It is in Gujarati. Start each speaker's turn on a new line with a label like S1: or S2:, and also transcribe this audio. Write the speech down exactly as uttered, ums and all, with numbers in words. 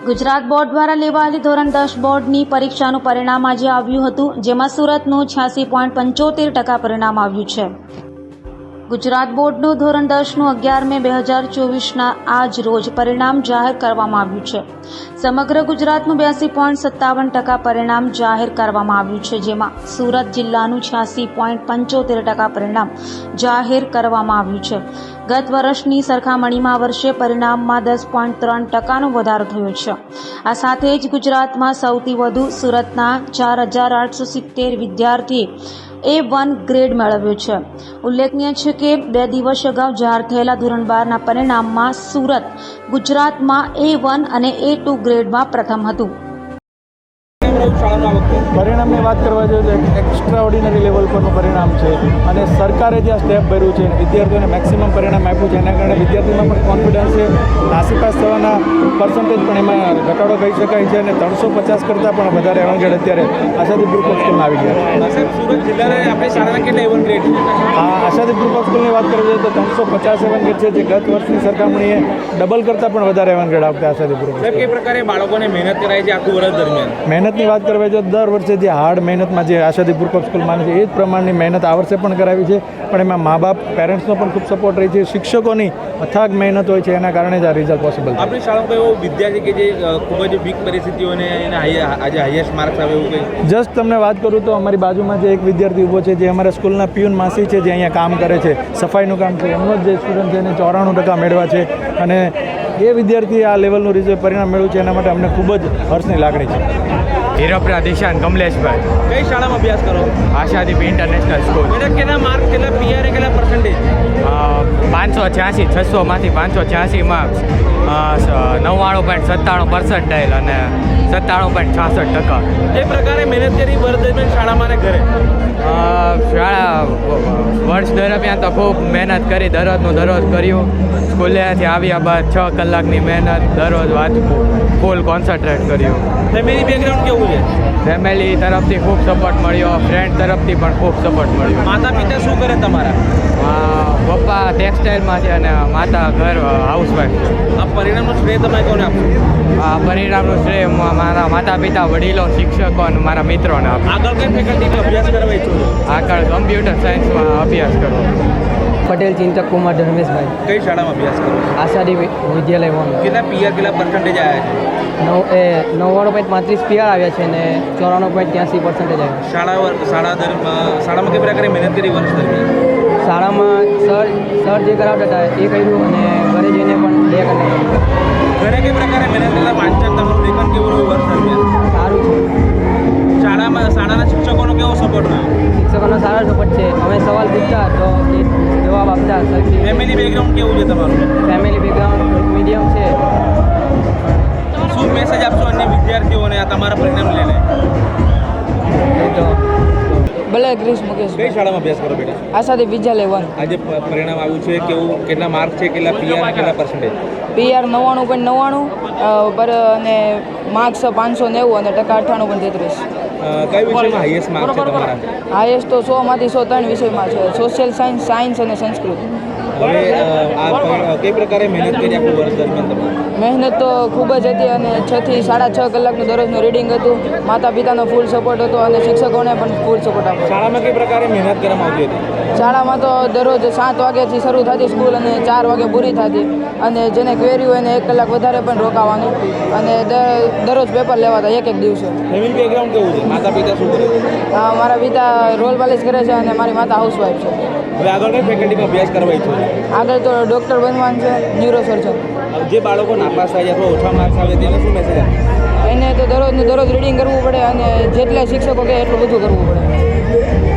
S1: ગુજરાત બોર્ડ દ્વારા લેવાયેલી ધોરણ દસ બોર્ડની પરીક્ષાનું પરિણામ આજે આવ્યું હતું, જેમાં સુરતનું છ્યાસી પોઈન્ટ પંચોતેર ટકા પરિણામ આવ્યું છે. ગુજરાત બોર્ડનું ધોરણ દસનું અગિયાર મે બે હજાર ચોવીસના આજ રોજ પરિણામ જાહેર કરવામાં આવ્યું છે. સમગ્ર ગુજરાતનું બ્યાસી પોઈન્ટ સત્તાવન ટકા પરિણામ જાહેર કરવામાં આવ્યું છે, જેમાં સુરત જિલ્લાનું છ્યાસી પોઈન્ટ પંચોતેર ટકા પરિણામ જાહેર કરવામાં આવ્યું છે. ગત વર્ષની સરખામણીમાં આ વર્ષે પરિણામમાં દસ પોઈન્ટ ત્રણ ટકાનો વધારો થયો છે. આ સાથે જ ગુજરાતમાં સૌથી વધુ સુરતના ચાર હજાર આઠસો સિત્તેર વિદ્યાર્થી એ વન ગ્રેડ મેળવ્યો છે. ઉલ્લેખનીય છે કે બે દિવસ અગાઉ જાહેર થયેલા ધોરણ બારના પરિણામમાં સુરત ગુજરાતમાં એ વન અને એ ટુ ગ્રેડમાં પ્રથમ હતું.
S2: પરિણામની વાત કરવા જોઈએ તો એક એક્સ્ટ્રા ઓર્ડિનરી લેવલ પરનું પરિણામ છે અને સરકારે જે આ સ્ટેપ ભર્યું છે વિદ્યાર્થીઓને મેક્સિમમ પરિણામ આપ્યું છે, એના કારણે વિદ્યાર્થીઓમાં પણ કોન્ફિડન્સ છે. નાસીપાસ થવાના પર્સન્ટેજ પણ એમાં ઘટાડો કહી શકાય છે અને ત્રણસો પચાસ કરતાં પણ વધારે એવંગેડ અત્યારે આશાદી ગ્રુપ ઓફ સ્કૂલમાં આવી ગયા છે.
S3: સુરત જિલ્લાને આપણે શાળાના કેટલા એવન ગ્રેડ
S2: આ આશાદી ગ્રુપ ઓફ સ્કૂલની વાત કરવી જોઈએ તો ત્રણસો પચાસ એવંગેડ છે, જે ગત વર્ષની સરખામણીએ ડબલ કરતાં પણ વધારે એવંગેડ આવતા આશાદી ગ્રુપ.
S3: કઈ પ્રકારે બાળકોને મહેનત કરાય છે આખું વર્ષ દરમિયાન?
S2: મહેનતની વાત કરવા જોઈએ તો દર વર્ષે જે હાર્ડ મહેનતમાં જે આશાદી ગ્રુપ ઓફ સ્કૂલ માને છે એ જ પ્રમાણની મહેનત આ વર્ષે પણ કરાવી છે, પણ એમાં મા બાપ પેરેન્ટ્સનો પણ ખૂબ સપોર્ટ રહી છે. શિક્ષકોની અથાગ મહેનત હોય છે, એના કારણે જ આ રિઝલ્ટ પોસિબલ છે.
S3: આપણી શાળામાં એવો વિદ્યાર્થી કે જે ખૂબ જ વીક પરિસ્થિતિઓને એને આજે હાઈએસ્ટ માર્ક્સ આવે એવું કંઈ?
S2: જસ્ટ તમને વાત કરું તો અમારી બાજુમાં જે એક વિદ્યાર્થી ઊભો છે, જે અમારા સ્કૂલના પિયુન માસી છે, જે અહીંયા કામ કરે છે, સફાઈનું કામ છે, એમનો જ જે સ્ટુડન્ટ છે એને ચોરાણું ટકા મેળવ્યા છે અને એ વિદ્યાર્થી આ લેવલનું રિઝલ્ટ પરિણામ મેળવ્યું છે, એના માટે અમને ખૂબ જ હર્ષની લાગણી છે.
S4: હીરોપરા દિશાન કમલેશભાઈ.
S3: કઈ શાળામાં અભ્યાસ કરો?
S4: Ashadeep international school.
S3: બેટા કેટલા માર્ક, કેટલા પીઆર, કેટલા પર્સન્ટેજ?
S4: પાંચસો છ્યાસી છસોમાંથી પાંચસો છ્યાસી માર્ક્સ, નવ્વાણું પોઈન્ટ સત્તાણું પર્સન્ટાઇલ અને સત્તાણું પોઈન્ટ છાસઠ ટકા.
S3: એ પ્રકારે મહેનત કરી વર્ષ દરમિયાન શાળામાં ને ઘરે?
S4: શાળા વર્ષ દરમિયાન તો ખૂબ મહેનત કરી, દરરોજનું દરરોજ કર્યું. સ્કૂલેથી આવ્યા બાદ છ કલાકની મહેનત, દરરોજ વાંચવું, ફૂલ કોન્સન્ટ્રેટ કર્યું.
S3: ફેમિલી બેકગ્રાઉન્ડ કેવું છે?
S4: ફેમિલી તરફથી ખૂબ સપોર્ટ મળ્યો, ફ્રેન્ડ તરફથી પણ ખૂબ સપોર્ટ મળ્યો.
S3: માતા પિતા શું કરે તમારા?
S4: પપ્પા ટેક્સટાઇલમાં છે અને માતા ઘર હાઉસવાઈફ છે.
S3: આ પરિણામનું શ્રેય તમે કોને આપશો?
S4: આ પરિણામનું શ્રેય મારા માતા પિતા, વડીલો, શિક્ષકો અને મારા મિત્રોને આપું.
S3: આગળ કઈ ફેકલ્ટીમાં અભ્યાસ કરવા ઈચ્છો છો?
S4: આગળ કમ્પ્યુટર સાયન્સમાં અભ્યાસ કરવો.
S5: પટેલ ચિંતક કુમાર ધર્મેશભાઈ.
S3: કઈ શાળામાં અભ્યાસ કરો?
S5: આશાદી વિદ્યાલય વન.
S3: કેટલા પીઆર, કેટલા પર્સન્ટેજ આવ્યા છે?
S5: નવ એ નવ્વાણું પોઈન્ટ પાંત્રીસ પીઆર આવ્યા છે અને ચોરાણું પોઈન્ટ ત્યાંસી પર્સન્ટેજ આવ્યા.
S3: શાળા શાળા દરમિયાન શાળામાં કઈ પ્રકારે મહેનત કરી વર્ષ દરમિયાન?
S5: શાળામાં સર સર જે કરાવતા હતા એ કર્યું અને ઘરે જઈને પણ બે કલાક.
S3: ઘરે કઈ પ્રકારે મહેનત કરતા? વાંચન તમારું લેખન કેવું રહ્યું વર્ષ દરમિયાન?
S5: સારું છે.
S3: શાળામાં શાળાના શિક્ષકોનો કેવો સપોર્ટ રહ્યો?
S5: શિક્ષકોનો સારો સપોર્ટ છે. અમે સવાલ પૂછતા તો એ જવાબ આપતા. સરખી
S3: ફેમિલી બેકગ્રાઉન્ડ કેવું છે તમારું?
S5: ફેમિલી બેકગ્રાઉન્ડ મીડિયમ છે.
S3: શું મેસેજ આપશો અન્ય વિદ્યાર્થીઓને આ તમારા પરિણામ લઈને?
S5: એ તો ભલે ક્રિશ મુકેશ.
S3: કઈ શાળામાં અભ્યાસ કરો બેટા?
S5: આશાદી વિદ્યાલય વન.
S3: આજે પરિણામ આવ્યું છે, કેવું, કેટલા માર્ક છે, કેટલા પીઆર, કેટલા પર્સન્ટેજ?
S5: પીઆર નવ્વાણું પોઈન્ટ નવ્વાણું પર અને માર્ક્સ પાંચસો નેવું અને ટકા અઠ્ઠાણું પોઈન્ટ તેત્રીસ.
S3: કઈ વિષયમાં હાઈએસ્ટ માર્ક છે તમારા?
S5: હાઈએસ્ટ તો સોમાંથી સો ત્રણ વિષયમાં છે, સોશિયલ સાયન્સ, સાયન્સ અને સંસ્કૃત.
S3: હવે આ કઈ પ્રકારે મહેનત કરી આખું વર્ષ દરમિયાન તમારે?
S5: મહેનત તો ખૂબ જ હતી અને છ થી સાડા છ કલાકનું દરરોજનું રીડિંગ હતું. માતા પિતાનો ફૂલ સપોર્ટ હતો અને શિક્ષકોને પણ ફૂલ સપોર્ટ આપ્યો.
S3: શાળામાં કઈ પ્રકારે મહેનત કરવામાં આવતી હતી?
S5: શાળામાં તો દરરોજ સાત વાગ્યાથી શરૂ થતી સ્કૂલ અને ચાર વાગે પૂરી થતી, અને જેને ક્વેરી હોય એને એક કલાક વધારે પણ રોકાવાનું અને દરરોજ પેપર લેવાતા એક એક દિવસે.
S3: ફેમિલી બેકગ્રાઉન્ડ કેવું છે? માતા પિતા શું કરે?
S5: મારા પિતા રોલ પાલિશ કરે છે અને મારી માતા હાઉસવાઈફ છે.
S3: હવે આગળ કઈ ફેકલ્ટીમાં અભ્યાસ કરવા ઈચ્છો છો?
S5: આગળ તો ડૉક્ટર બનવાનું છે, ન્યુરો સર્જન.
S3: જે બાળકો નાપાસ થાય અથવા ઓછા માર્ક્સ આવે તેને શું મેસેજ આપે?
S5: એને તો દરરોજનું દરરોજ રીડિંગ કરવું પડે અને જેટલા શિક્ષકો કહે એટલું બધું કરવું પડે.